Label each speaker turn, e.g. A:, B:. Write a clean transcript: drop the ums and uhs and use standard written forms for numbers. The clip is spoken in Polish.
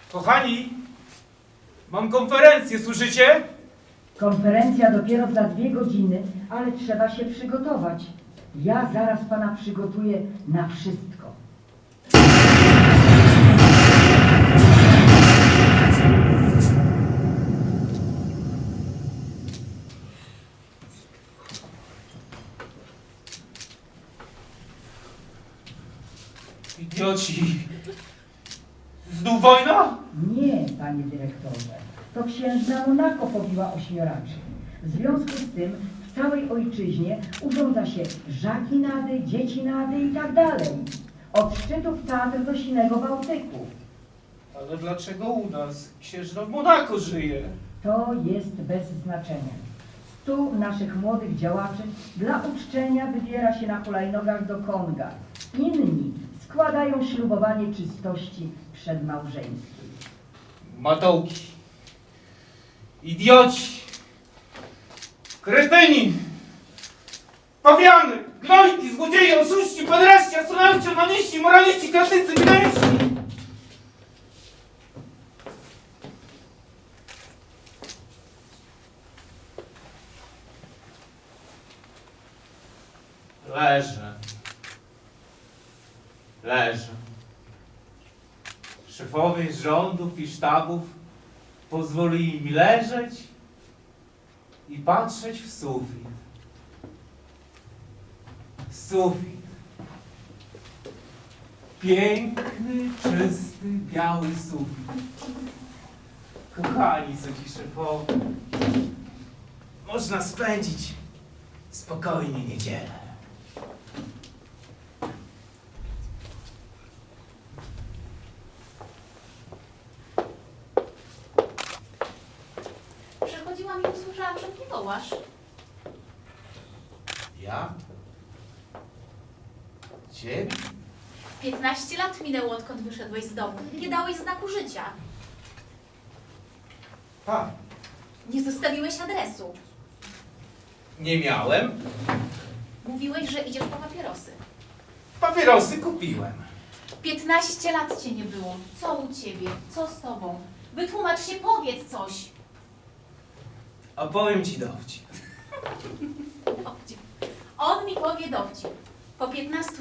A: Kochani, mam konferencję, słyszycie?
B: Konferencja dopiero za 2 godziny, ale trzeba się przygotować. Ja zaraz pana przygotuję na wszystko.
A: Idioci! Znów wojna?
B: Nie, panie dyrektorze. To księżna Monako pobiła 8. W związku z tym w całej ojczyźnie urządza się żakinady, dziecinady i tak dalej. Od szczytów Tatr do sinego Bałtyku.
A: Ale dlaczego u nas księżna w Monako żyje?
B: To jest bez znaczenia. 100 naszych młodych działaczy dla uczczenia wybiera się na hulajnogach do Konga. Inni składają ślubowanie czystości przedmałżeńskiej.
A: Matołki. Idioci. Kretyni. Pawiany. Gnojki, złodzieje, oszuści, pederaści, astronauci, onaniści, moraliści, klasycy, wideńści. Leżę. Leżę. Szefowie rządów i sztabów pozwolili mi leżeć i patrzeć w sufit. Sufit. Piękny, czysty, biały sufit. Kochani, co ci szefowie, można spędzić spokojnie niedzielę.
C: Przechodziłam i usłyszałam, że mnie wołasz.
A: Ja? Ciebie?
C: 15 lat minęło, odkąd wyszedłeś z domu. Nie dałeś znaku życia.
A: Tak.
C: Nie zostawiłeś adresu.
A: Nie miałem.
C: Mówiłeś, że idziesz po papierosy.
A: Papierosy kupiłem.
C: 15 lat cię nie było. Co u ciebie? Co z tobą? Wytłumacz się, powiedz coś.
A: Opowiem ci dowcip.
C: Dowcip. On mi powie dowcip. Po 15